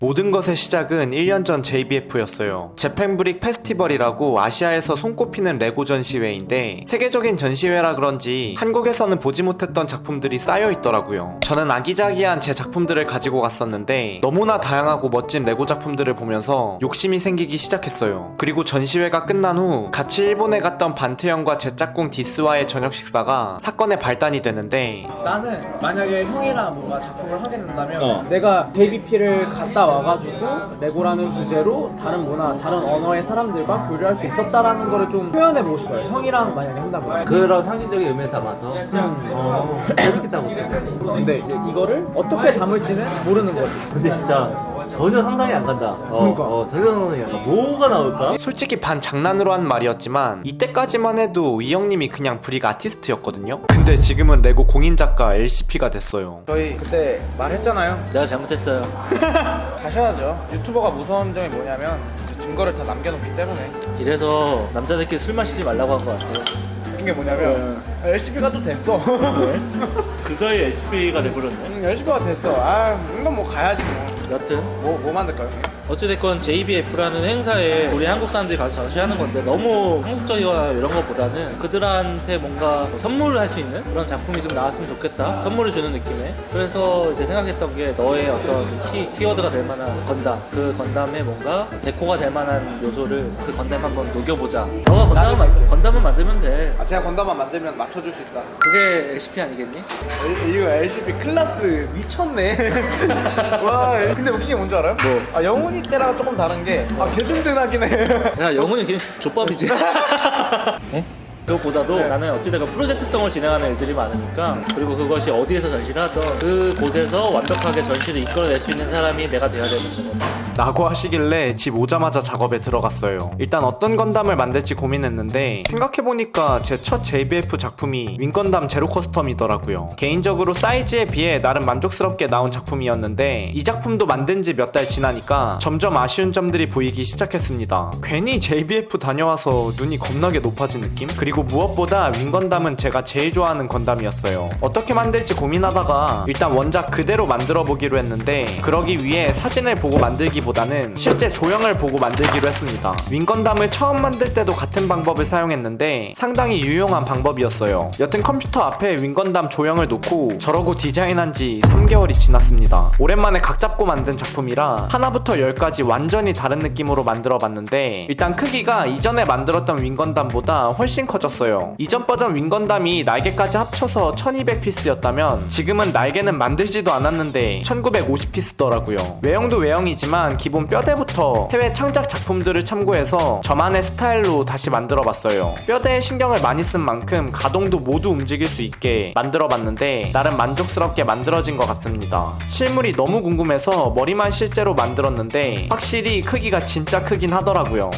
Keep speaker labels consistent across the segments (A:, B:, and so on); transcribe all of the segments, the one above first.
A: 모든 것의 시작은 1년 전 JBF였어요. 재팬브릭 페스티벌이라고 아시아에서 손꼽히는 레고 전시회인데 세계적인 전시회라 그런지 한국에서는 보지 못했던 작품들이 쌓여 있더라고요. 저는 아기자기한 제 작품들을 가지고 갔었는데 너무나 다양하고 멋진 레고 작품들을 보면서 욕심이 생기기 시작했어요. 그리고 전시회가 끝난 후 같이 일본에 갔던 반태형과 제 짝꿍 디스와의 저녁 식사가 사건의 발단이 되는데,
B: 나는 만약에 형이랑 뭔가 작품을 하게 된다면 내가 JBP를 갔다 와가지고 레고라는 주제로 다른 문화, 다른 언어의 사람들과 교류할 수 있었다라는 거를 좀 표현해보고 싶어요. 형이랑 만약에 한다면.
C: 그런 상징적인 의미를 담아서 재밌겠다고 그랬거든.
B: 근데 이제 이거를 어떻게 담을지는 모르는 거지.
C: 근데 진짜 전혀 상상이 안 간다.
B: 그러니까.
C: 전혀 상상이 안 간다. 뭐가 나올까?
A: 솔직히 반 장난으로 한 말이었지만 이때까지만 해도 이 형님이 그냥 브릭 아티스트였거든요. 근데 지금은 레고 공인작가 LCP가 됐어요.
B: 저희 그때 말했잖아요.
C: 내가 잘못했어요.
B: 가셔야죠. 유튜버가 무서운 점이 뭐냐면 증거를 다 남겨놓기 때문에.
C: 이래서 남자들끼리 술 마시지 말라고 한 것 같아요.
B: 웃긴 게 뭐냐면 LCP가 또 됐어.
C: 그 사이에 HP가 돼버렸네.
B: LCP가 됐어. 이건 뭐 가야지 뭐.
C: 여튼
B: 뭐 만들까요, 형님?
C: 어찌됐건 JBF라는 행사에 우리 한국 사람들이 가서 전시하는 건데 너무 한국적이거나 이런 것보다는 그들한테 뭔가 선물을 할 수 있는 그런 작품이 좀 나왔으면 좋겠다. 선물을 주는 느낌에. 그래서 이제 생각했던 게 너의 어떤 키워드가 될 만한 건담, 그 건담에 뭔가 데코가 될 만한 요소를 그 건담에 한번 녹여보자. 너가 건담을 만들면 돼.
B: 제가 건담만 만들면 맞춰줄 수 있다.
C: 그게 LCP 아니겠니?
B: 이거 LCP 클라스 미쳤네. 와, 근데 웃긴 게 뭔지 알아요?
C: 뭐?
B: 영훈이 때랑 조금 다른 게 개든든하긴 해.
C: 야, 영훈이 그냥 족밥이지. 네? 그것보다도 나는 어찌되건 프로젝트성을 진행하는 일들이 많으니까, 그리고 그것이 어디에서 전시를 하던 그 곳에서 완벽하게 전시를 이끌어낼 수 있는 사람이 내가 돼야 되는 거거든.
A: 라고 하시길래 집 오자마자 작업에 들어갔어요. 일단 어떤 건담을 만들지 고민했는데 생각해보니까 제 첫 JBF 작품이 윙건담 제로 커스텀이더라고요. 개인적으로 사이즈에 비해 나름 만족스럽게 나온 작품이었는데 이 작품도 만든 지 몇 달 지나니까 점점 아쉬운 점들이 보이기 시작했습니다. 괜히 JBF 다녀와서 눈이 겁나게 높아진 느낌? 그리고 무엇보다 윙건담은 제가 제일 좋아하는 건담이었어요. 어떻게 만들지 고민하다가 일단 원작 그대로 만들어 보기로 했는데, 그러기 위해 사진을 보고 만들기보다는 실제 조형을 보고 만들기로 했습니다. 윙건담을 처음 만들 때도 같은 방법을 사용했는데 상당히 유용한 방법이었어요. 여튼 컴퓨터 앞에 윙건담 조형을 놓고 저러고 디자인한 지 3개월이 지났습니다. 오랜만에 각 잡고 만든 작품이라 하나부터 10까지 완전히 다른 느낌으로 만들어 봤는데, 일단 크기가 이전에 만들었던 윙건담보다 훨씬 커졌어요. 이전 버전 윙건담이 날개까지 합쳐서 1200피스였다면 지금은 날개는 만들지도 않았는데 1950피스더라고요. 외형도 외형이지만 기본 뼈대부터 해외 창작 작품들을 참고해서 저만의 스타일로 다시 만들어봤어요. 뼈대에 신경을 많이 쓴 만큼 가동도 모두 움직일 수 있게 만들어봤는데 나름 만족스럽게 만들어진 것 같습니다. 실물이 너무 궁금해서 머리만 실제로 만들었는데 확실히 크기가 진짜 크긴 하더라고요.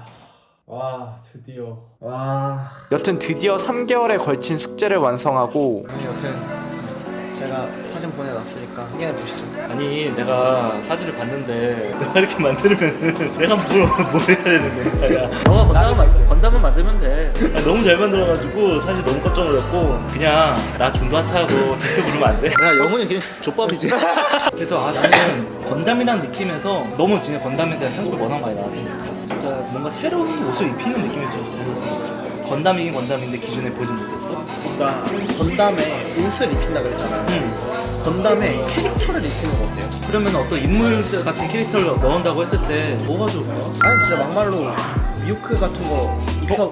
B: 와, 드디어.
A: 여튼 드디어 3개월에 걸친 숙제를 완성하고,
B: 여튼 제가 사진 보내놨으니까 확인해 보시죠.
D: 아니 내가 사진을 봤는데 너가 이렇게 만들면 내가 뭘 해야 되는 거야.
C: 너가 건담을 만들면 돼.
D: 너무 잘 만들어가지고 사실 너무 깜짝 놀랐고, 그냥 나 중도 하차하고 디스 부르면 안 돼?
C: 야, 영훈이 그냥 족밥이지.
D: 그래서 나는 건담이라는 느낌에서 너무 진짜 건담에 대한 창작이 워낙 많이 나왔으니까 진짜 뭔가 새로운 옷을 입히는 느낌이 좀 들었습니다. 건담이긴 건담인데 기존에 보지 못했던.
B: 그러니까 건담에 옷을 입힌다 그랬잖아요. 건담에 캐릭터를 입히는 거 어때요?
D: 그러면 어떤 인물 같은 캐릭터를 넣는다고 했을 때 뭐가 좋을까?
B: 아니 진짜 막말로 미호크 같은 거 입혀.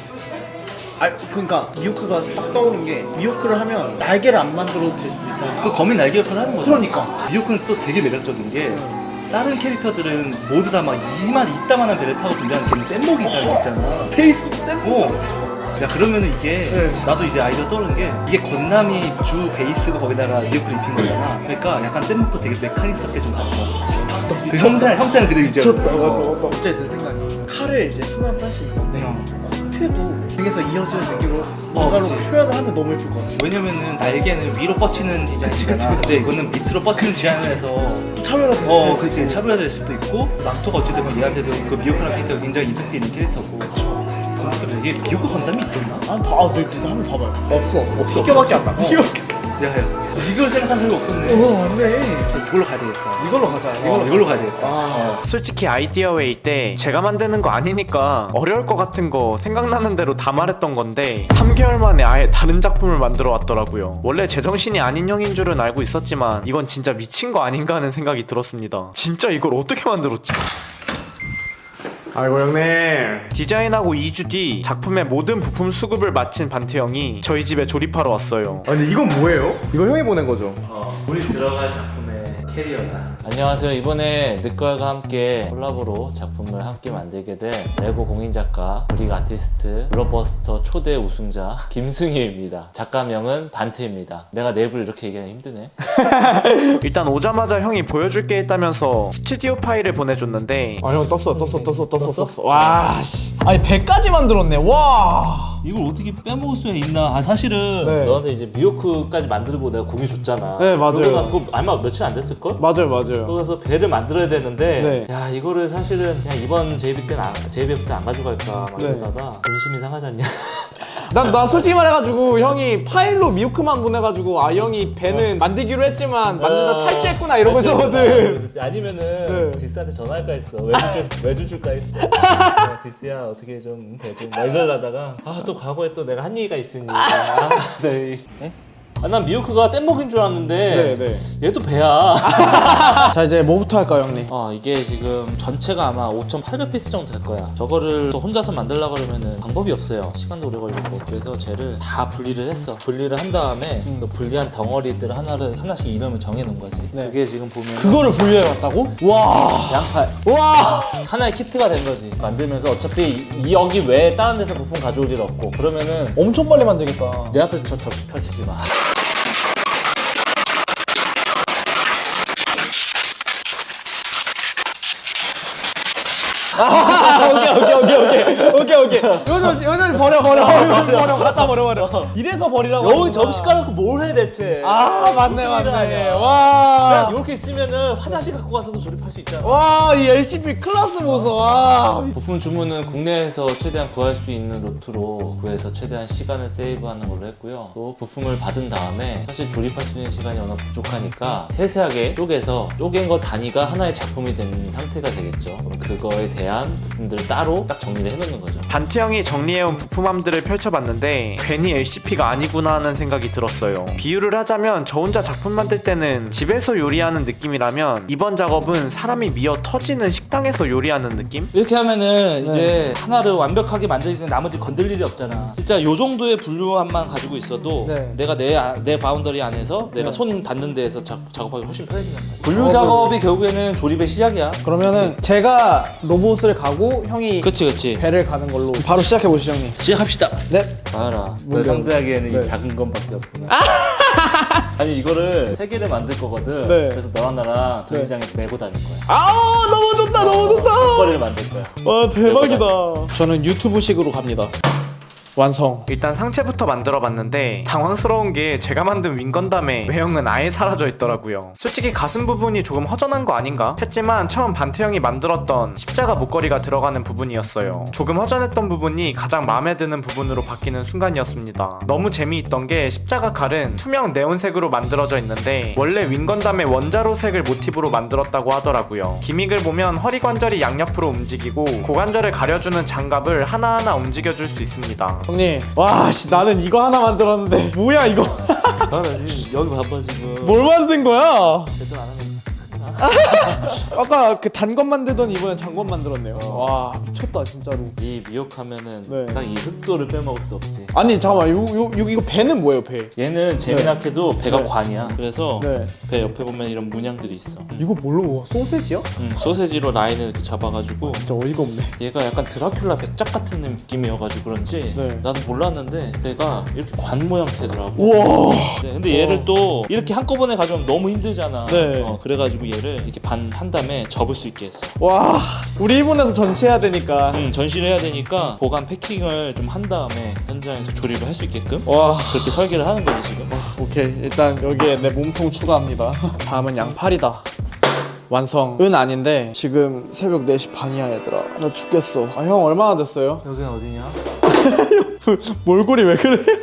B: 그러니까 미호크가 딱 떠오른 게, 미호크를 하면 날개를 안 만들어도 될 수도 있다.
D: 그 거미 날개 역할을 하는 거죠.
B: 그러니까
D: 미호크는 또 되게 매력적인 게 다른 캐릭터들은 모두 다 막 이따만한 배를 타고 등장하는 걔는 뗏목이 있잖아.
B: 페이스 때문에.
D: 야, 그러면은 이게 나도 이제 아이디어 떠오른 게, 이게 건담이 주 베이스고 거기다가 미호크를 입힌 거잖아. 그러니까 약간 뗏목도 되게 메카닉스럽게 좀 가고 그 형태는 그대로 유지하고.
B: 미쳤다. 갑자기 든 생각이, 칼을 이제 수납을 할 수 있는데 코트도 등에서 이어지는 느낌으로 뭔가로
D: 그치.
B: 표현을 하면 너무 예쁠 것 같아.
D: 왜냐면은 날개는 위로 뻗치는 디자인이잖아. 근데 이거는 밑으로 뻗치는 디자인을 해서
B: 차별화될 수
D: 그치,
B: 있고.
D: 차별화될 수도 있고, 낙토가 어찌되면 얘한테도 그 미호크라는 캐릭터가 굉장히 이펙트 있는 캐릭터고. 그래, 이게 미호크 건담이 있었나?
B: 네, 한번 봐봐요. 없어.
D: 없어.
B: 비켜밖에 안 나.
D: 야 이걸 생각한 적이 없었네.
B: 안돼.
D: 이걸로 가야 되겠다.
B: 이걸로 가자.
D: 이걸로 가야 되겠다.
A: 솔직히 아이디어 웨이 때 제가 만드는 거 아니니까 어려울 것 같은 거 생각나는 대로 다 말했던 건데 3개월 만에 아예 다른 작품을 만들어 왔더라고요. 원래 제정신이 아닌 형인 줄은 알고 있었지만 이건 진짜 미친 거 아닌가 하는 생각이 들었습니다. 진짜 이걸 어떻게 만들었지? 아이고 형님, 디자인하고 2주 뒤 작품의 모든 부품 수급을 마친 반트 형이 저희 집에 조립하러 왔어요.
E: 아니 이건 뭐예요? 이거 형이 보낸 거죠?
C: 우리 들어갈 작품의 캐리어다. 안녕하세요. 이번에 늑걸과 함께 콜라보로 작품을 함께 만들게 된 레고 공인작가, 브릭 아티스트, 블록버스터 초대 우승자 김승희입니다. 작가명은 반트입니다. 내가 내 입을 이렇게 얘기하기 힘드네.
A: 일단 오자마자 형이 보여줄 게 있다면서 스튜디오 파일을 보내줬는데
E: 아 형 떴어. 와 씨. 아니 100까지 만들었네. 와.
C: 이걸 어떻게 빼먹을 수 있나? 아, 사실은
E: 네.
C: 너한테 이제 미호크까지 만들고 내가 공유 줬잖아.
E: 네, 맞아요.
C: 그러고 나서 그거 아마 며칠 안 됐을걸?
E: 맞아요.
C: 그래서 배를 만들어야 되는데
E: 네.
C: 야 이거를 사실은 그냥 이번 JB 때는 JBF 때 안 가져갈까 막
E: 네.
C: 이러다가 본심이 상하지 않냐?
E: 난 솔직히 말해가지고 형이 파일로 미우크만 보내가지고 아 형이 배는 만들기로 했지만 만들다 탈주했구나 이러고 있었거든.
C: 아니면은
E: 네.
C: 디스한테 전화할까 했어. 외주 줄까 했어. 디스야 어떻게 좀 배 좀 이러려다가 아 또 과거에 또 내가 한 얘기가 있으니 네. 난 미호크가 뗏목인 줄 알았는데
E: 네.
C: 얘도 배야.
E: 자 이제 뭐부터 할까요 형님?
C: 이게 지금 전체가 아마 5,800피스 정도 될 거야. 저거를 또 혼자서 만들려고 그러면은 방법이 없어요. 시간도 오래 걸리고. 그래서 쟤를 다 분리를 했어. 분리를 한 다음에 그 분리한 덩어리들 하나씩 이름을 정해놓은 거지.
E: 네.
C: 그게 지금 보면
E: 그거를 분류해왔다고? 와.
C: 양팔.
E: 와.
C: 하나의 키트가 된 거지. 만들면서 어차피 여기 외에 다른 데서 부품 가져올 일 없고 그러면은
E: 엄청 빨리 만들겠다.
C: 내 앞에서 접시 펼치지 마.
E: 오케이. 이거는 버려. 갖다 버려. 이래서 버리라고.
C: 여기 접시 깔아놓고 뭘 해 대체?
E: 아 맞네.
C: 무슨 일을 하냐.
E: 와.
C: 그냥 이렇게 있으면은 화장실 갖고 가서도 조립할 수 있잖아.
E: 와, 이 LCP 클래스 보소. 와.
C: 부품 주문은 국내에서 최대한 구할 수 있는 루트로 구해서 최대한 시간을 세이브하는 걸로 했고요. 또 부품을 받은 다음에 사실 조립할 수 있는 시간이 워낙 부족하니까 세세하게 쪼갠 거 단위가 하나의 작품이 된 상태가 되겠죠. 그럼 그거에 대한 부품들을 따로 딱 정리를 해놓는 거죠.
A: 반트 형이 정리해온 부품함들을 펼쳐봤는데 괜히 LCP가 아니구나 하는 생각이 들었어요. 비유를 하자면 저 혼자 작품 만들 때는 집에서 요리하는 느낌이라면 이번 작업은 사람이 미어 터지는 식당에서 요리하는 느낌?
C: 이렇게 하면은 이제 하나를 완벽하게 만들기 전에 나머지 건들 일이 없잖아. 진짜 요 정도의 분류함만 가지고 있어도
E: 네.
C: 내가 내 바운더리 안에서 내가 손 닿는 데에서 작업하기 훨씬 편해진단 말이야. 분류 작업이 결국에는 조립의 시작이야.
E: 그러면은 제가 로봇을 가고 형이
C: 그치.
E: 배를 가는 걸로 바로 시작해 보시죠, 형님.
C: 시작합시다.
E: 네.
C: 봐라.
E: 뭔데요?
C: 상대하기에는
E: 네.
C: 이 작은 것밖에 없구나. 아니 이거를 3개를 만들 거거든.
E: 네.
C: 그래서 너랑 나랑 전시장에서 메고 다닐 거야.
E: 아우 너무 좋다.
C: 거리를 만들 거야.
E: 와 대박이다. 저는 유튜브식으로 갑니다. 완성.
A: 일단 상체부터 만들어봤는데 당황스러운 게 제가 만든 윙건담의 외형은 아예 사라져 있더라고요. 솔직히 가슴 부분이 조금 허전한 거 아닌가 했지만 처음 반트 형이 만들었던 십자가 목걸이가 들어가는 부분이었어요. 조금 허전했던 부분이 가장 마음에 드는 부분으로 바뀌는 순간이었습니다. 너무 재미있던 게 십자가 칼은 투명 네온색으로 만들어져 있는데 원래 윙건담의 원자로 색을 모티브로 만들었다고 하더라고요. 기믹을 보면 허리 관절이 양옆으로 움직이고 고관절을 가려주는 장갑을 하나하나 움직여줄 수 있습니다.
E: 형님. 와 씨, 나는 이거 하나 만들었는데 뭐야 이거.
C: 봐라 지금 여기 봐봐 지금.
E: 뭘 만든 거야?
C: 제대로 안 하는
E: 아까 그 단검 만들던 이번엔 장검 만들었네요. 와 미쳤다 진짜로.
C: 이 미역하면은
E: 네.
C: 딱 이 흑도를 빼먹을 수 없지.
E: 아니 잠깐만 이거 배는 뭐예요 배?
C: 얘는 재미나게도 배가
E: 네.
C: 관이야. 그래서
E: 네.
C: 배 옆에 보면 이런 문양들이 있어.
E: 이거 뭘로 먹어? 소세지요?
C: 소세지로 라인을 이렇게 잡아가지고
E: 진짜 어이가 없네.
C: 얘가 약간 드라큘라 백작 같은 느낌이어가지고 그런지
E: 네.
C: 나도 몰랐는데 배가 이렇게 관 모양 되더라고.
E: 우와.
C: 네, 근데 얘를 또 이렇게 한꺼번에 가져오면 너무 힘들잖아.
E: 네.
C: 그래가지고 얘를 이렇게 반 한 다음에 접을 수 있게 했어.
E: 와 우리 일본에서 전시해야 되니까.
C: 전시를 해야 되니까 보관 패킹을 좀 한 다음에 현장에서 조립을 할 수 있게끔
E: 와
C: 그렇게 설계를 하는 거지 지금.
E: 오케이 일단 여기에 내 몸통 추가합니다. 다음은 양팔이다. 완성은 아닌데 지금 새벽 4시 반이야 얘들아. 나 죽겠어. 아 형 얼마나 됐어요?
C: 여기는 어디냐?
E: 몰골이 왜 그래?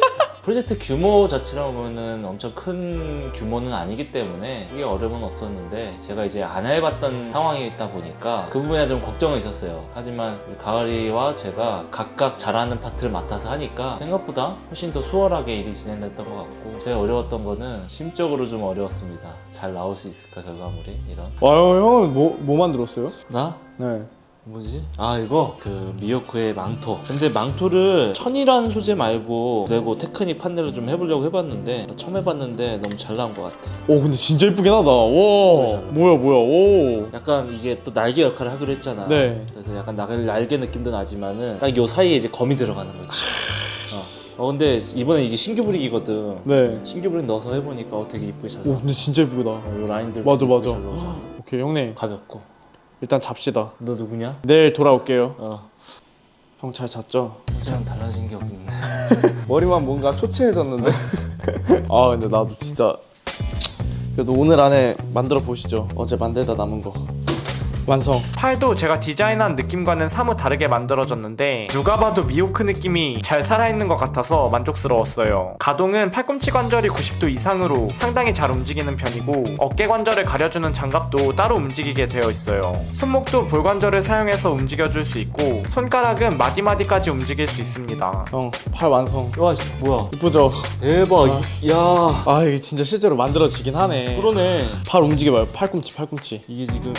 C: 프로젝트 규모 자체로 보면은 엄청 큰 규모는 아니기 때문에 이게 어려움은 없었는데 제가 이제 안 해봤던 상황이다 보니까 그 부분에 좀 걱정은 있었어요. 하지만 우리 가을이와 제가 각각 잘하는 파트를 맡아서 하니까 생각보다 훨씬 더 수월하게 일이 진행됐던 것 같고, 제가 어려웠던 거는 심적으로 좀 어려웠습니다. 잘 나올 수 있을까 결과물이 이런.
E: 형은 뭐 만들었어요?
C: 나?
E: 네.
C: 뭐지? 아 이거 그 미호크의 망토. 근데 망토를 천이라는 소재 말고 레고 테크닉 판넬로 좀 해보려고 해봤는데 처음 해봤는데 너무 잘 나온 것 같아.
E: 오 근데 진짜 이쁘긴 하다. 와 뭐야 오.
C: 약간 이게 또 날개 역할을 하기로 했잖아.
E: 네.
C: 그래서 약간 날개 느낌도 나지만은 딱 요 사이에 이제 검이 들어가는 거지. 근데 이번에 이게 신규 브릭이거든.
E: 네.
C: 신규 브릭 넣어서 해보니까 되게 이쁘게 잘
E: 오
C: 나와.
E: 근데 진짜 이쁘다.
C: 요 라인들
E: 맞아.
C: 잘 나오잖아.
E: 오케이 형님
C: 가볍고.
E: 일단 잡시다.
C: 너 누구냐?
E: 내일 돌아올게요. 형 잘 잤죠?
C: 참 달라진 게 없는데.
E: 머리만 뭔가 초췌해졌는데. 아 근데 나도 진짜 그래도 오늘 안에 만들어 보시죠. 어제 만들다 남은 거 완성.
A: 팔도 제가 디자인한 느낌과는 사뭇 다르게 만들어졌는데 누가 봐도 미호크 느낌이 잘 살아있는 것 같아서 만족스러웠어요. 가동은 팔꿈치 관절이 90도 이상으로 상당히 잘 움직이는 편이고 어깨 관절을 가려주는 장갑도 따로 움직이게 되어 있어요. 손목도 볼 관절을 사용해서 움직여줄 수 있고 손가락은 마디마디까지 움직일 수 있습니다.
E: 형 팔 완성.
C: 와 뭐야?
E: 이쁘죠?
C: 대박. 야.
E: 아 이게 진짜 실제로 만들어지긴 하네.
C: 그러네.
E: 팔 움직여봐요. 팔꿈치.
C: 이게 지금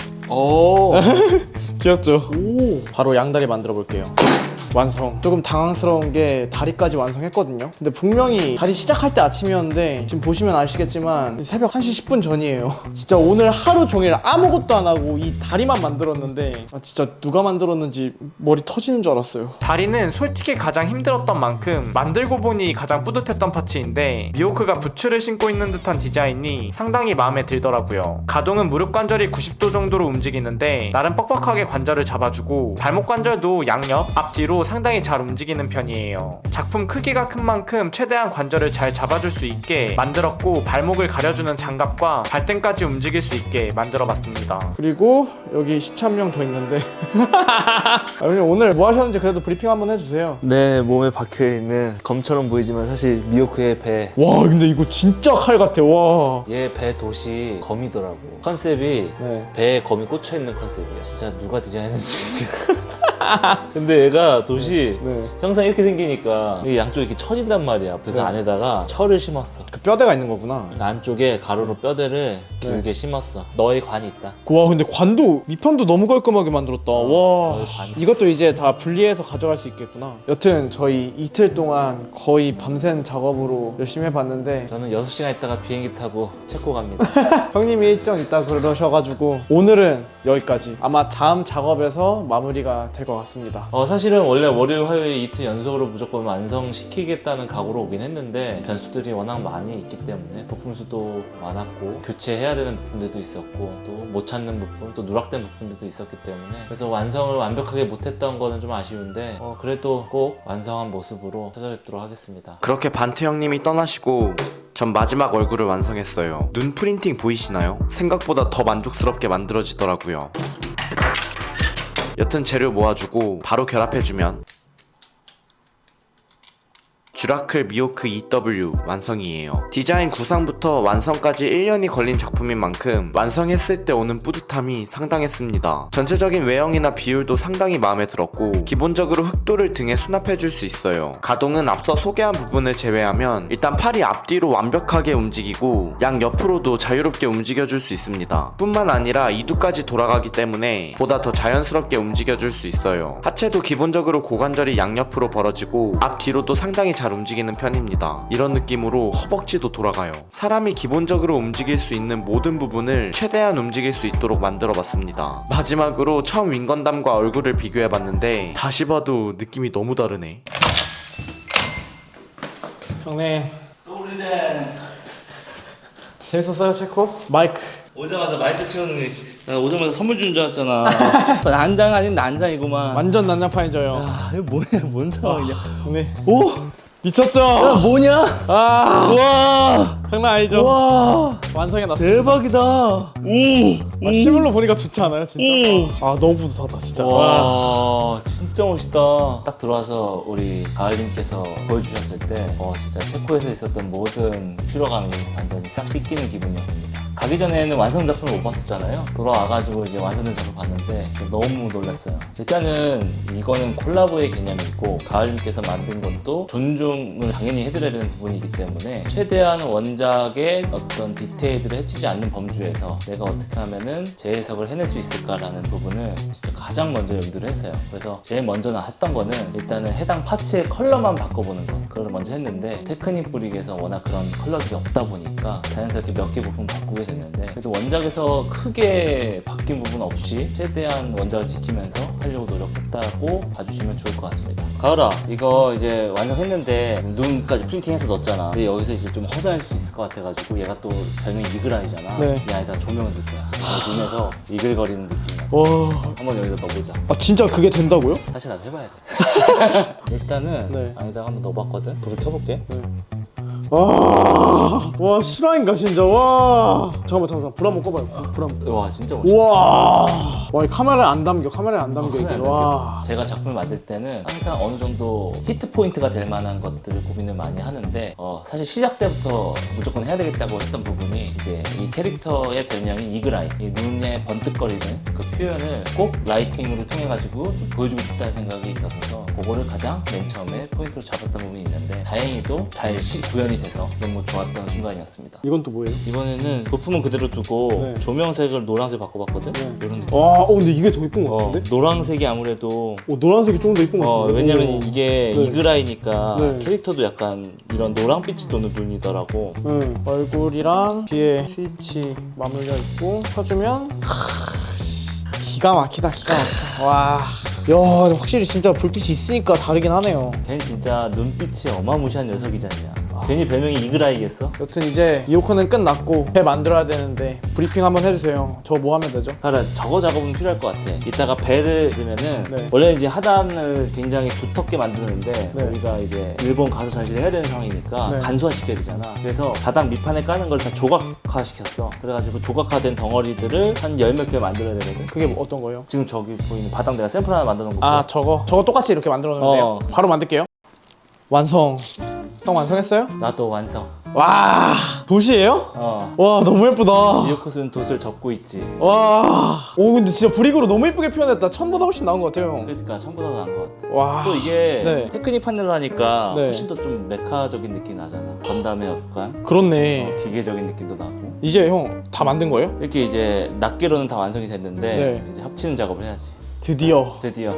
E: 귀엽죠? 오. 바로 양다리 만들어 볼게요. 완성. 조금 당황스러운 게 다리까지 완성했거든요. 근데 분명히 다리 시작할 때 아침이었는데 지금 보시면 아시겠지만 새벽 1시 10분 전이에요. 진짜 오늘 하루 종일 아무것도 안 하고 이 다리만 만들었는데 진짜 누가 만들었는지 머리 터지는 줄 알았어요.
A: 다리는 솔직히 가장 힘들었던 만큼 만들고 보니 가장 뿌듯했던 파츠인데 미호크가 부츠를 신고 있는 듯한 디자인이 상당히 마음에 들더라고요. 가동은 무릎 관절이 90도 정도로 움직이는데 나름 뻑뻑하게 관절을 잡아주고 발목 관절도 양옆, 앞뒤로 상당히 잘 움직이는 편이에요. 작품 크기가 큰 만큼 최대한 관절을 잘 잡아줄 수 있게 만들었고 발목을 가려주는 장갑과 발등까지 움직일 수 있게 만들어봤습니다.
E: 그리고 여기 시체 한 명 더 있는데 형님 오늘 뭐 하셨는지 그래도 브리핑 한번 해주세요.
C: 내 몸에 박혀있는 검처럼 보이지만 사실 미호크의 배.
E: 와 근데 이거 진짜 칼 같아. 와.
C: 얘 배 돛이 검이더라고. 컨셉이
E: 네.
C: 배에 검이 꽂혀있는 컨셉이야. 진짜 누가 디자인했는지. 근데 얘가 돛이
E: 네.
C: 항상 이렇게 생기니까 이 양쪽에 이렇게 쳐진단 말이야. 그래서
E: 네.
C: 안에다가 철을 심었어.
E: 그 뼈대가 있는 거구나.
C: 안쪽에 가로로 뼈대를 길게 심었어. 너의 관이 있다.
E: 와 근데 관도 밑판도 너무 깔끔하게 만들었다. 와
C: 너의 관.
E: 이것도 이제 다 분리해서 가져갈 수 있겠구나. 여튼 저희 이틀 동안 거의 밤샘 작업으로 열심히 해봤는데
C: 저는 6시간 있다가 비행기 타고 체코 갑니다.
E: 형님이 일정 있다 그러셔가지고 오늘은 여기까지. 아마 다음 작업에서 마무리가 될 것 같습니다.
C: 사실은 원래 월요일 화요일 이틀 연속으로 무조건 완성시키겠다는 각오로 오긴 했는데 변수들이 워낙 많이 있기 때문에 부품수도 많았고 교체해야 되는 부분들도 있었고 또 못 찾는 부분 또 누락된 부분들도 있었기 때문에 그래서 완성을 완벽하게 못했던 거는 좀 아쉬운데 그래도 꼭 완성한 모습으로 찾아뵙도록 하겠습니다.
A: 그렇게 반트 형님이 떠나시고 전 마지막 얼굴을 완성했어요. 눈 프린팅 보이시나요? 생각보다 더 만족스럽게 만들어지더라고요. 여튼 재료 모아주고 바로 결합해주면 쥬라클 미호크 EW 완성이에요. 디자인 구상부터 완성까지 1년이 걸린 작품인 만큼 완성했을 때 오는 뿌듯함이 상당했습니다. 전체적인 외형이나 비율도 상당히 마음에 들었고 기본적으로 흑도를 등에 수납해줄 수 있어요. 가동은 앞서 소개한 부분을 제외하면 일단 팔이 앞뒤로 완벽하게 움직이고 양 옆으로도 자유롭게 움직여줄 수 있습니다. 뿐만 아니라 이두까지 돌아가기 때문에 보다 더 자연스럽게 움직여줄 수 있어요. 하체도 기본적으로 고관절이 양옆으로 벌어지고 앞뒤로도 상당히 잘 움직이는 편입니다. 이런 느낌으로 허벅지도 돌아가요. 사람이 기본적으로 움직일 수 있는 모든 부분을 최대한 움직일 수 있도록 만들어봤습니다. 마지막으로 처음 윙건담과 얼굴을 비교해봤는데 다시 봐도 느낌이 너무 다르네.
E: 형님 재밌었어요 체코? 마이크
D: 오자마자 마이크 치우는
C: 나 오자마자 선물 주는 줄 알았잖아. 난장 아닌 난장이구만.
E: 완전 난장판이죠 형.
C: 이거 뭐야, 뭔 상황이야.
E: 형님
C: 오!
E: 미쳤죠?
D: 뭐냐?
E: 아,
D: 와,
E: 장난 아니죠?
D: 와,
E: 완성해놨어요.
D: 대박이다. 오,
E: 실물로 보니까 좋지 않아요, 진짜? 아, 너무 뿌듯하다, 진짜. 와.
D: 와, 진짜 멋있다.
C: 딱 들어와서 우리 가을님께서 보여주셨을 때 진짜 체코에서 있었던 모든 피로감이 완전히 싹 씻기는 기분이었습니다. 가기 전에는 완성 작품을 못 봤었잖아요. 돌아와가지고 이제 완성된 작품 봤는데 진짜 너무 놀랐어요. 일단은 이거는 콜라보의 개념이 있고 가을님께서 만든 것도 존중을 당연히 해드려야 되는 부분이기 때문에 최대한 원작의 어떤 디테일들을 해치지 않는 범주에서 내가 어떻게 하면은 재해석을 해낼 수 있을까라는 부분을 진짜 가장 먼저 염두를 했어요. 그래서 제일 먼저 했던 거는 일단은 해당 파츠의 컬러만 바꿔보는 거, 그걸 먼저 했는데 테크닉 브릭에서 워낙 그런 컬러들이 없다 보니까 자연스럽게 몇 개 부분 바꾸게 됐는데, 그래도 원작에서 크게 바뀐 부분 없이 최대한 원작을 지키면서 하려고 노력했다고 봐주시면 좋을 것 같습니다. 가을아, 이거 이제 완성했는데 눈까지 프린팅해서 넣었잖아. 근데 여기서 이제 좀 허전할 수 있을 것 같아가지고 얘가 또 별명이 이글아이잖아.
E: 네.
C: 이 안에다 조명을 넣을 거야. 눈에서 이글거리는 느낌이야.
E: 와.
C: 한번 여기다 넣어보자.
E: 아, 진짜 그게 된다고요?
C: 사실 나도 해봐야 돼. 일단은
E: 네.
C: 안에다가 한번 넣어봤거든. 불을 켜볼게.
E: 와, 실화인가, 진짜? 와. 잠깐만. 불 한번 꺼봐요. 불 한번.
C: 와, 진짜 멋있다.
E: 우와. 와, 이 카메라에 안 담겨, 이게.
C: 큰일
E: 와.
C: 제가 작품을 만들 때는 항상 어느 정도 히트 포인트가 될 만한 것들을 고민을 많이 하는데 사실 시작 때부터 무조건 해야 되겠다고 했던 부분이 이제 이 캐릭터의 별명이 이글아이, 이 눈에 번뜩거리는 그 표현을 꼭 라이팅으로 통해 가지고 좀 보여주고 싶다는 생각이 있어서 그거를 가장 맨 처음에 포인트로 잡았던 부분이 있는데 다행히도 잘 구현이 돼서 너무 좋았던 순간이었습니다.
E: 이건 또 뭐예요?
C: 이번에는 부품은 그대로 두고
E: 네.
C: 조명색을 노란색 바꿔봤거든? 이런 느낌.
E: 와, 근데 이게 더 이쁜 것 같은데?
C: 노란색이 아무래도
E: 노란색이 좀 더 이쁜 것 같은데?
C: 왜냐면
E: 오.
C: 이게
E: 네.
C: 이글아이니까
E: 네.
C: 캐릭터도 약간 이런 노랑빛이 도는 눈이더라고.
E: 응. 얼굴이랑 뒤에 스위치 맞물려 있고 켜주면 기가 막히다. 와. 야, 확실히 진짜 불빛이 있으니까 다르긴 하네요.
C: 걔는 진짜 눈빛이 어마무시한 녀석이잖냐. 괜히 별명이 이글아이겠어?
E: 여튼 이제 이오코는 끝났고 배 만들어야 되는데 브리핑 한번 해주세요. 저 뭐 하면 되죠?
C: 그래, 저거 작업은 필요할 것 같아. 이따가 배를 넣으면은
E: 네.
C: 원래 이제 하단을 굉장히 두텁게 만드는데
E: 네.
C: 우리가 이제 일본 가서 전시를 해야 되는 상황이니까
E: 네.
C: 간소화시켜야 되잖아. 그래서 바닥 밑판에 까는 걸 다 조각화 시켰어. 그래가지고 조각화된 덩어리들을 한 10몇 개 만들어야 되거든.
E: 그게 뭐 어떤 거예요?
C: 지금 저기 보이는 바닥 내가 샘플 하나 만들어 놓은 거.
E: 아, 저거 똑같이 이렇게 만들어 놓는데요. 바로 만들게요. 완성. 형 완성했어요?
C: 나도 완성.
E: 와, 도시예요? 와, 너무 예쁘다.
C: 이오코스는 돛을 접고 있지.
E: 와, 오, 근데 진짜 브릭으로 너무 예쁘게 표현했다. 처음보다 훨씬 나은 것 같아요, 형.
C: 그러니까 처음보다 나은 것 같아.
E: 와,
C: 또 이게
E: 네.
C: 테크닉 판넬로 하니까
E: 네.
C: 훨씬 더 좀 메카적인 느낌이 나잖아. 건담의 약간
E: 그렇네.
C: 기계적인 느낌도 나고.
E: 이제 형 다 만든 거예요?
C: 이렇게 이제 낱개로는 다 완성이 됐는데
E: 네.
C: 이제 합치는 작업을 해야지.
E: 드디어.
C: 드디어.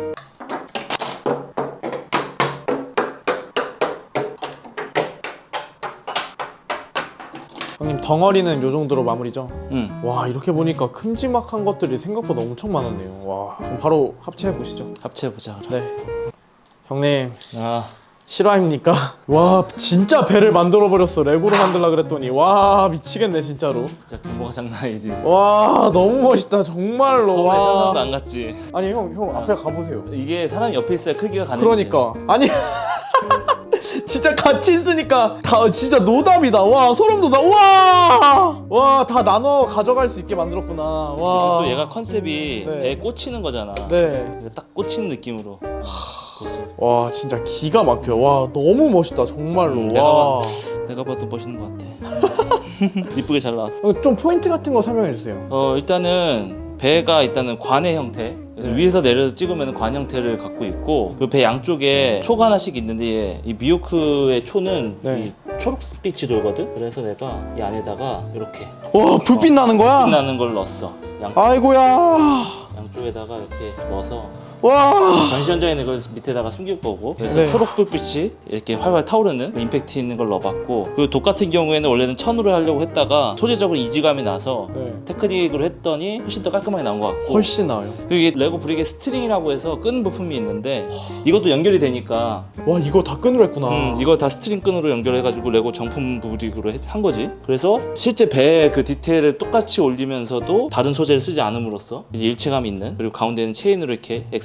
E: 형님, 덩어리는 요 정도로 마무리죠?
C: 응.
E: 와, 이렇게 보니까 큼지막한 것들이 생각보다 엄청 많았네요. 와, 그럼 바로 합체해 보시죠.
C: 합체해보자 그럼.
E: 네. 형님,
C: 아,
E: 실화입니까? 와, 진짜 배를 만들어 버렸어. 레고로 만들라 그랬더니 와, 미치겠네 진짜로.
C: 진짜 규모가 장난 아니지.
E: 와, 너무 멋있다 정말로.
C: 처음에
E: 와.
C: 상상도 안 갔지.
E: 아니 형 앞에 가보세요.
C: 이게 사람이 옆에 있어야 크기가 가는
E: 그러니까 아니 진짜 같이 있으니까 다 진짜 노답이다. 와, 소름 돋아. 와, 다 나눠 가져갈 수 있게 만들었구나. 와.
C: 지금 또 얘가 컨셉이
E: 네.
C: 배에 꽂히는 거잖아.
E: 네.
C: 이거 딱 꽂히는 느낌으로.
E: 와, 진짜 기가 막혀. 와, 너무 멋있다 정말로. 와.
C: 내가 봐도 멋있는 것 같아. 이쁘게 잘 나왔어.
E: 좀 포인트 같은 거 설명해 주세요.
C: 일단은 배가 일단은 관의 형태. 그래서 위에서 내려서 찍으면 관 형태를 갖고 있고 그 배 양쪽에 초가 하나씩 있는데 이 미호크의 초는
E: 네.
C: 이 초록빛이 돌거든. 그래서 내가 이 안에다가 이렇게
E: 와, 불빛 나는 거야?
C: 빛나는 걸 넣었어.
E: 아이고야.
C: 양쪽에다가 이렇게 넣어서
E: 와.
C: 전시 현장에 있는 걸 밑에다가 숨길 거고, 그래서
E: 네.
C: 초록 불빛이 이렇게 활활 타오르는 임팩트 있는 걸 넣어봤고, 그리고 독 같은 경우에는 원래는 천으로 하려고 했다가 소재적으로 이질감이 나서
E: 네.
C: 테크닉으로 했더니 훨씬 더 깔끔하게 나온 것 같고,
E: 훨씬 나아요.
C: 그리고 이게 레고 브릭의 스트링이라고 해서 끈 부품이 있는데 이것도 연결이 되니까
E: 와, 이거 다 끈으로 했구나.
C: 이거 다 스트링 끈으로 연결해가지고 레고 정품 브릭으로 한 거지. 그래서 실제 배의 그 디테일을 똑같이 올리면서도 다른 소재를 쓰지 않음으로써 이제 일체감 있는, 그리고 가운데는 체인으로 이렇게 X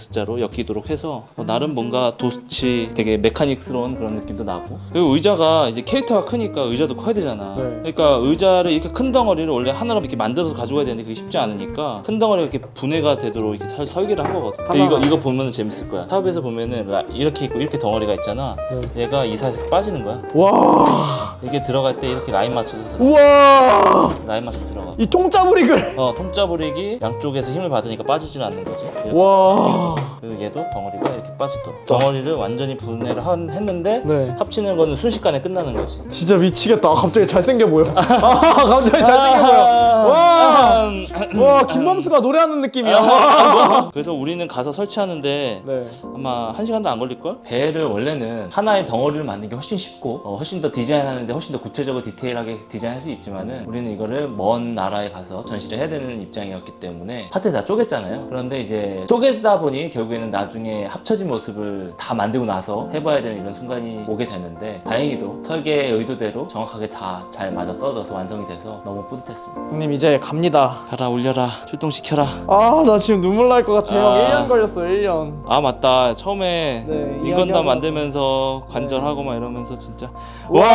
C: X자로 엮이도록 해서 나름 뭔가 도치 되게 메카닉스러운 그런 느낌도 나고, 그리고 의자가 이제 캐릭터가 크니까 의자도 커야 되잖아.
E: 네.
C: 그러니까 의자를 이렇게 큰 덩어리를 원래 하나로 이렇게 만들어서 가져가야 되는데 그게 쉽지 않으니까 큰 덩어리가 이렇게 분해가 되도록 이렇게 설계를 한 거거든. 이거 보면은 재밌을 거야. 탑에서 보면은 이렇게 있고 이렇게 덩어리가 있잖아. 얘가 이 사이에서 빠지는 거야.
E: 와.
C: 이게 들어갈 때 이렇게 라인 맞춰서
E: 우와.
C: 라인 맞춰서 들어가.
E: 이 통짜부릭을.
C: 통짜브릭이 양쪽에서 힘을 받으니까 빠지질 않는 거지.
E: 와.
C: 그리고 얘도 덩어리가 이렇게 빠지도록. 덩어리를 완전히 분해를 했는데
E: 네.
C: 합치는 거는 순식간에 끝나는 거지.
E: 진짜 미치겠다. 갑자기 잘생겨 보여. 갑자기 잘생겨 보여. 와. 와, 김범수가 노래하는 느낌이야.
C: 그래서 우리는 가서 설치하는데
E: 네.
C: 아마 1시간도 안 걸릴걸? 배를 원래는 하나의 덩어리를 만드는 게 훨씬 쉽고 훨씬 더 디자인하는데 훨씬 더 구체적으로 디테일하게 디자인할 수 있지만은 우리는 이거를 먼 나라에 가서 전시를 해야 되는 입장이었기 때문에 파트 다 쪼갰잖아요. 그런데 이제 쪼개다 보니 결국에는 나중에 합쳐진 모습을 다 만들고 나서 해봐야 되는 이런 순간이 오게 되는데, 다행히도 설계의 의도대로 정확하게 다 잘 맞아 떨어져서 완성이 돼서 너무 뿌듯했습니다.
E: 형님 이제 갑니다.
C: 가라 올려라 출동시켜라.
E: 아, 나 지금 눈물 날 것 같아. 형
C: 아.
E: 1년 걸렸어요. 1년.
C: 아 맞다, 처음에
E: 네,
C: 인건담
E: 이야기하고
C: 만들면서 관절하고 막 이러면서 진짜
E: 와.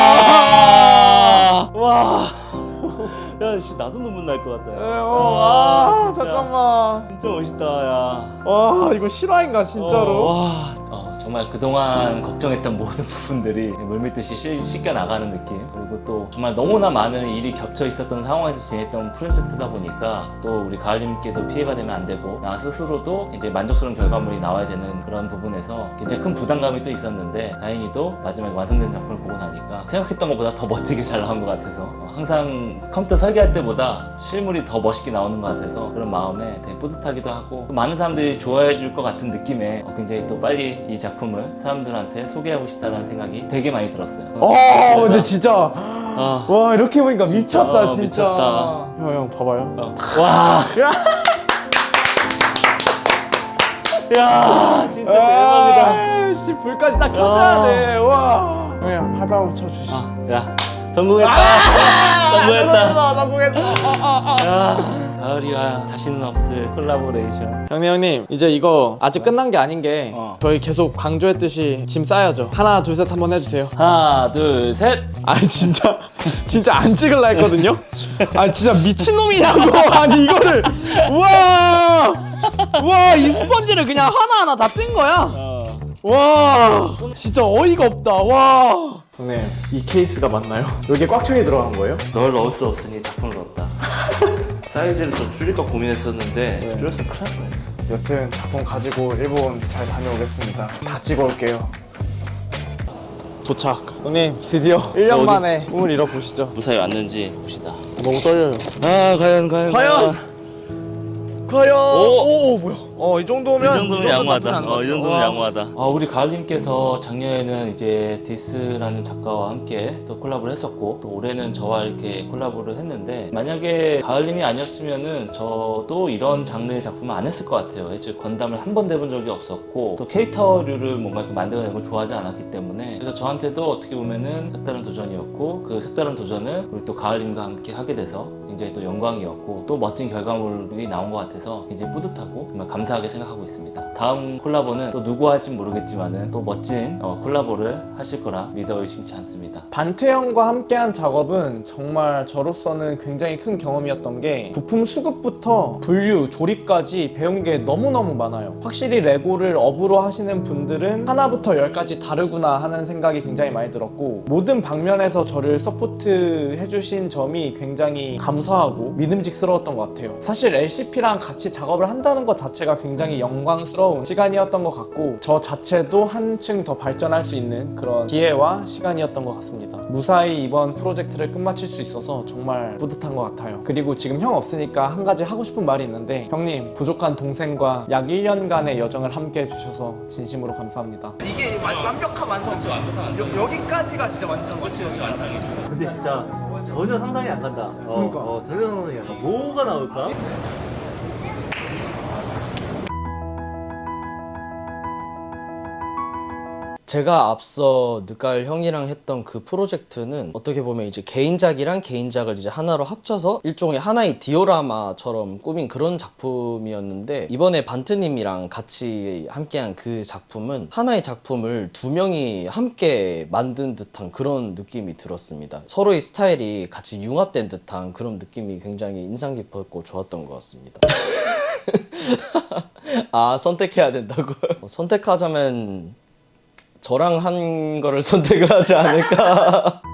C: 와. 야, 씨, 나도 눈물 날 것 같다.
E: 아,
C: 진짜.
E: 잠깐만.
C: 진짜 멋있다, 야.
E: 와, 이거 실화인가 진짜로?
C: 와. 정말 그동안 걱정했던 모든 부분들이 물밀듯이 씻겨 나가는 느낌. 그리고 또 정말 너무나 많은 일이 겹쳐 있었던 상황에서 지냈던 프로젝트다 보니까 또 우리 가을님께도 피해가 되면 안 되고 나 스스로도 이제 만족스러운 결과물이 나와야 되는 그런 부분에서 굉장히 큰 부담감이 또 있었는데, 다행히도 마지막에 완성된 작품을 보고 나니까 생각했던 것보다 더 멋지게 잘 나온 것 같아서, 항상 컴퓨터 설계할 때보다 실물이 더 멋있게 나오는 것 같아서 그런 마음에 되게 뿌듯하기도 하고, 또 많은 사람들이 좋아해 줄 것 같은 느낌에 굉장히 또 빨리 이 작품을 사람들한테 소개하고 싶다는 생각이 되게 많이 들었어요.
E: 근데 진짜 와, 이렇게 보니까
C: 진짜,
E: 미쳤다 진짜.
C: 미쳤다.
E: 형 봐봐요.
C: 와. 야, 진짜 대박이다.
E: 씨, 불까지 딱 켜줘야 돼. 와. 형 팔 한번 쳐주시죠.
C: 야, 성공했다. 성공했다.
E: 성공했어.
C: 야, 가을이와 다시는 없을 콜라보레이션.
E: 형님 이제 이거 아직 끝난 게 아닌 게 저희 계속 강조했듯이 짐 싸야죠. 하나 둘 셋 한번 해주세요.
C: 하나, 둘, 셋.
E: 아니 진짜 안 찍을라 했거든요. 아 진짜 미친놈이냐고. 아니 이거를 우와 이 스펀지를 그냥 하나하나 다 뜬 거야. 와 진짜 어이가 없다. 와 형님 이 케이스가 맞나요? 여기에 꽉차게 들어간 거예요?
C: 널 넣을 수 없으니 작품을 넣었다. 사이즈를 좀 줄일까 고민했었는데 줄였으면 큰일 날 뻔했어.
E: 여튼 작품 가지고 일본 잘 다녀오겠습니다. 다 찍어올게요. 도착. 형님 드디어 1년
C: 어디?
E: 만에 꿈을 이뤄보시죠.
C: 무사히 왔는지 봅시다.
E: 너무 떨려요.
C: 아, 과연.
E: 오 뭐야? 이 정도면
C: 이 정도면 양호하다.
E: 나쁘지 않은
C: 이
E: 것
C: 정도면
E: 같아요.
C: 양호하다. 우리 가을님께서 작년에는 이제 디스라는 작가와 함께 또 콜라보를 했었고, 또 올해는 저와 이렇게 콜라보를 했는데, 만약에 가을님이 아니었으면은 저도 이런 장르의 작품을 안 했을 것 같아요. 즉 건담을 한 번도 해본 적이 없었고, 또 캐릭터류를 뭔가 이렇게 만들어내는 걸 좋아하지 않았기 때문에, 그래서 저한테도 어떻게 보면은 색다른 도전이었고, 그 색다른 도전을 우리 또 가을님과 함께 하게 돼서 굉장히 또 영광이었고, 또 멋진 결과물이 나온 것 같아서 굉장히 뿌듯하고 정말 감사하게 생각하고 있습니다. 다음 콜라보는 또 누구 할지 모르겠지만은 또 멋진 콜라보를 하실 거라 믿어 의심치 않습니다.
E: 반태 형과 함께한 작업은 정말 저로서는 굉장히 큰 경험이었던 게, 부품 수급부터 분류, 조립까지 배운 게 너무너무 많아요. 확실히 레고를 업으로 하시는 분들은 하나부터 열까지 다르구나 하는 생각이 굉장히 많이 들었고, 모든 방면에서 저를 서포트 해주신 점이 굉장히 감사하고 믿음직스러웠던 것 같아요. 사실 LCP랑 같이 작업을 한다는 것 자체가 굉장히 영광스러운 시간이었던 것 같고, 저 자체도 한층 더 발전할 수 있는 그런 기회와 시간이었던 것 같습니다. 무사히 이번 프로젝트를 끝마칠 수 있어서 정말 뿌듯한 것 같아요. 그리고 지금 형 없으니까 한 가지 하고 싶은 말이 있는데, 형님 부족한 동생과 약 1년간의 여정을 함께 해주셔서 진심으로 감사합니다.
B: 이게 완벽한 완성이죠. 여기까지가 진짜 완전 완성이죠.
C: 근데 진짜 전혀 상상이 안 간다.
B: 그러니까.
C: 전혀 상상이 안 간다. 뭐가 나올까?
F: 제가 앞서 느깔 형이랑 했던 그 프로젝트는 어떻게 보면 이제 개인작이랑 개인작을 이제 하나로 합쳐서 일종의 하나의 디오라마처럼 꾸민 그런 작품이었는데, 이번에 반트님이랑 같이 함께한 그 작품은 하나의 작품을 두 명이 함께 만든 듯한 그런 느낌이 들었습니다. 서로의 스타일이 같이 융합된 듯한 그런 느낌이 굉장히 인상 깊었고 좋았던 것 같습니다. 아, 선택해야 된다고요? 선택하자면 저랑 한 거를 선택을 하지 않을까.